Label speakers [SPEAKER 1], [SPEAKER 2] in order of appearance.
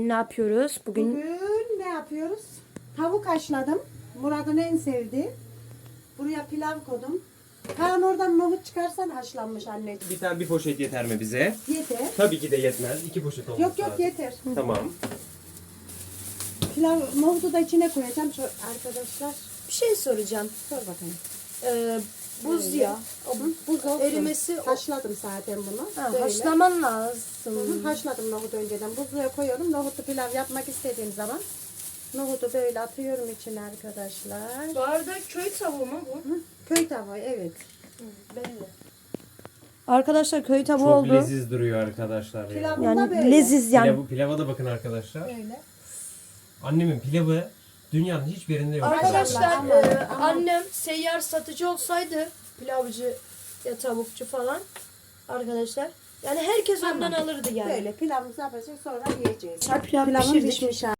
[SPEAKER 1] Bugün ne yapıyoruz?
[SPEAKER 2] Bugün ne yapıyoruz? Tavuk haşladım. Murat'ın en sevdiği. Buraya pilav koydum. Kaan oradan nohut çıkarsan haşlanmış anneciğim.
[SPEAKER 3] Bir poşet yeter mi bize?
[SPEAKER 2] Yeter.
[SPEAKER 3] Tabii ki de yetmez. 2 poşet olması
[SPEAKER 2] Yok
[SPEAKER 3] lazım.
[SPEAKER 2] yeter.
[SPEAKER 3] Tamam.
[SPEAKER 2] Pilav nohutu da içine koyacağım şu arkadaşlar.
[SPEAKER 1] Bir şey soracağım.
[SPEAKER 2] Sor bakayım.
[SPEAKER 1] Buz ya.
[SPEAKER 2] Buz olsun.
[SPEAKER 1] Erimesi-
[SPEAKER 2] Haşladım zaten bunu.
[SPEAKER 1] Ha,
[SPEAKER 2] Böyle.
[SPEAKER 1] haşlaman lazım.
[SPEAKER 2] Hı, haşladım nohutu önceden. Buzluğa koyuyorum. Nohutlu pilav yapmak istediğim zaman nohutu böyle atıyorum içine arkadaşlar.
[SPEAKER 1] Bu arada köy tavuğu mu bu?
[SPEAKER 2] Hı, köy tavuğu evet.
[SPEAKER 1] Belli. Arkadaşlar köy tavuğu
[SPEAKER 3] Çok
[SPEAKER 1] oldu.
[SPEAKER 3] leziz duruyor arkadaşlar ya.
[SPEAKER 2] Pilav-
[SPEAKER 1] Yani
[SPEAKER 2] Bunda böyle.
[SPEAKER 1] leziz yani.
[SPEAKER 3] Pilava da bakın arkadaşlar.
[SPEAKER 2] Böyle.
[SPEAKER 3] Annemin pilavı dünyanın hiçbir yerinde yok.
[SPEAKER 1] Arkadaşlar
[SPEAKER 2] Ama- ama-
[SPEAKER 1] annem seyyar satıcı olsaydı pilavcı ya tavukçu falan arkadaşlar. Yani herkes
[SPEAKER 2] Tamam.
[SPEAKER 1] ondan alırdı yani.
[SPEAKER 2] Böyle pilavımızı yapacağız sonra yiyeceğiz.
[SPEAKER 1] Pilav
[SPEAKER 2] Pilavım
[SPEAKER 1] pişirdik.
[SPEAKER 2] pişmiş